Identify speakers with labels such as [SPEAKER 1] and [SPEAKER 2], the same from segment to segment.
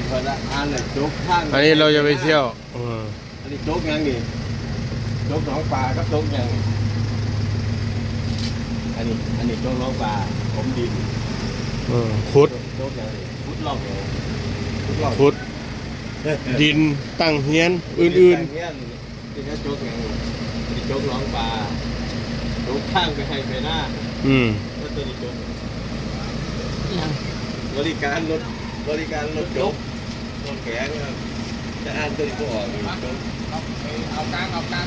[SPEAKER 1] คนละอันเลยโจ๊กข้าง
[SPEAKER 2] อันนี้เราจะไปเที่ยว
[SPEAKER 1] อันนี้โจ๊กยังนี่โจ๊กหนองปลาครับโจ๊กยังอันนี้โจ๊กหนองปลาผมดิน
[SPEAKER 2] ขุด
[SPEAKER 1] โจ๊กยังขุดลอก
[SPEAKER 2] ขุดดินตั้งเฮียนอื่น
[SPEAKER 1] ๆที่นี่โจ๊กยังนี่โจ๊กหนองปลาโจ๊กข้างไปให้ไปหน้าแล้วตัวนี้โจ๊กยังบริการรถโจ๊กรถแข็งครับจะอ่านตัวนี้ก็ออกโจ๊กเอากลาง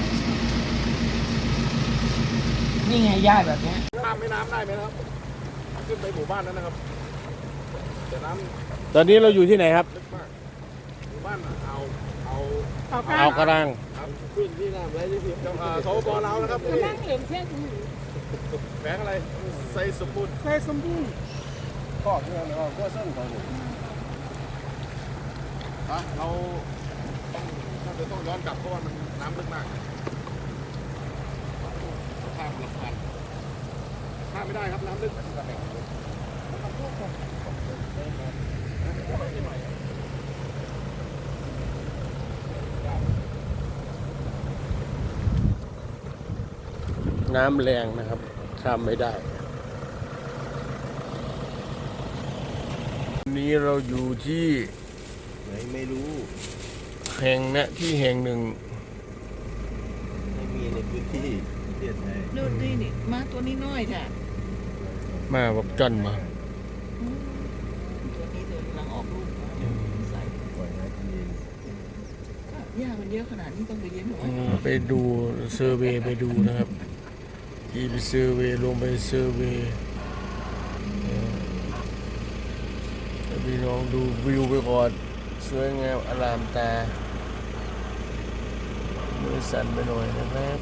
[SPEAKER 3] นี่ไงย่ายแบบนี้
[SPEAKER 4] ข้ามแม่น้ำได้ไหมครับขึ้นไปหมู่บ้านนั้นนะครับแต่น้
[SPEAKER 2] ตอนนี้เราอยู่ที่ไหนครับ
[SPEAKER 4] ำลึกมากหมู่บ้าน
[SPEAKER 2] เอากระดัง
[SPEAKER 1] ขึ้นที่น้ำไรที่ผิด
[SPEAKER 4] สปปลาวนะครับนี่
[SPEAKER 3] นั่งเหลืองเส้น
[SPEAKER 4] แฝงอะไรไซสมบูรณ์
[SPEAKER 3] ใส่สมบูรณ์
[SPEAKER 1] ข้อเรื่องก็ข้อเส้นของผม
[SPEAKER 4] เราน่าจะต้องย้อนกลับเพราะว่ามันน้ำลึกมากข้ามลำธารข้ามไม่ได้ครับน้ำลึก
[SPEAKER 2] น้ำแรงนะครับข้ามไม่ได้วันนี้เราอยู่ที่
[SPEAKER 1] ไหนไม่รู้
[SPEAKER 2] แห่งที่แห่งหนึ่ง
[SPEAKER 1] ไม่มีในพื้นที่ประเทศไทย
[SPEAKER 3] ดูนี่มาตัวนี้น้อยแท้
[SPEAKER 2] มาบอกจอนมา
[SPEAKER 3] ตัวนี้เดินกำลังออกลูกใส่
[SPEAKER 1] ปล่อยให้กินเอง
[SPEAKER 3] หญ้ามันเยอะขนาดนี้ต้องไปเลี้ยงหนู
[SPEAKER 2] ไปดูเซอร์เวย์ไปดูนะครับที่ไปเซอร์เวย์ลงไปเซอร์เวย์พี่น้องดูวิวไปก่อนสวยงามอลามตามือสั่นไปหน่อยนะครับ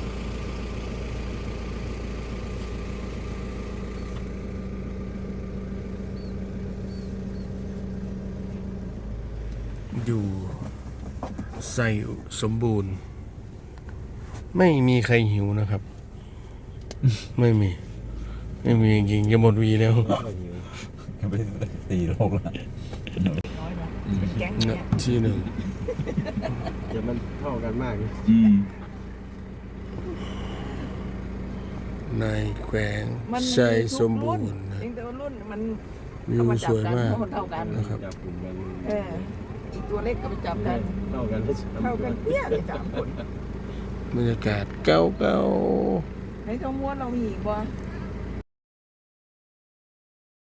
[SPEAKER 2] อยู่ใส่สมบูรณ์ไม่มีใครหิวนะครับไม่มีจริงๆจะหมดวีแล้ว
[SPEAKER 1] ไป4 โลแล้ว
[SPEAKER 3] น้อยนะเป็นแก๊งเนี่ย
[SPEAKER 2] ที่หนึ่ง
[SPEAKER 1] เดี๋ยวมันเท่ากันมาก
[SPEAKER 2] ในแขวงใส่สมบูรณ์
[SPEAKER 3] แต่ว่ารุ่นมัน
[SPEAKER 2] วิวสวยมาก
[SPEAKER 3] นะครับอีกตัวเล็กก็ไปจับกันเท่ากันเปี้ยเลย3 คน
[SPEAKER 2] บรรยากาศเก่า
[SPEAKER 3] ในท้องม้วนเรามีอีกบ่